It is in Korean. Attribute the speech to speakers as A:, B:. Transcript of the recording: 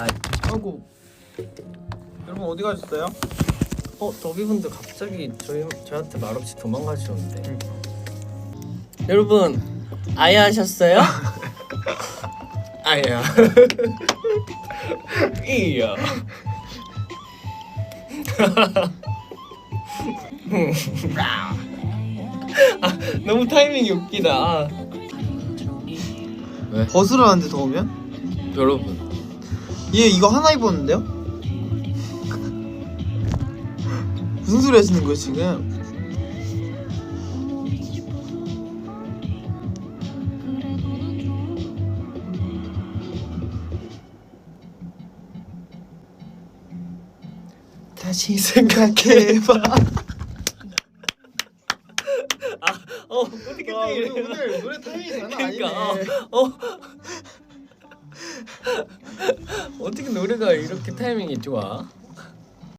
A: 아이고.
B: 여러분 어디 가셨어요?
A: 더비분들 갑자기 저한테 말없이 도망가시는데. 여러분 아야 하셨어요? 아야. 이야. 너무 타이밍이 웃기다. 왜?
B: 벗으라는데 더우면?
A: 여러분
B: 얘 이거 하나 입었는데요? 무슨 소리 하시는 거예요 지금? 다시 생각해봐.
A: 어떻게
B: 와,
A: 이래?
B: 오늘 노래 타이밍이 장난 아니네.
A: 그러니까 어떻게 노래가 이렇게 타이밍이 좋아?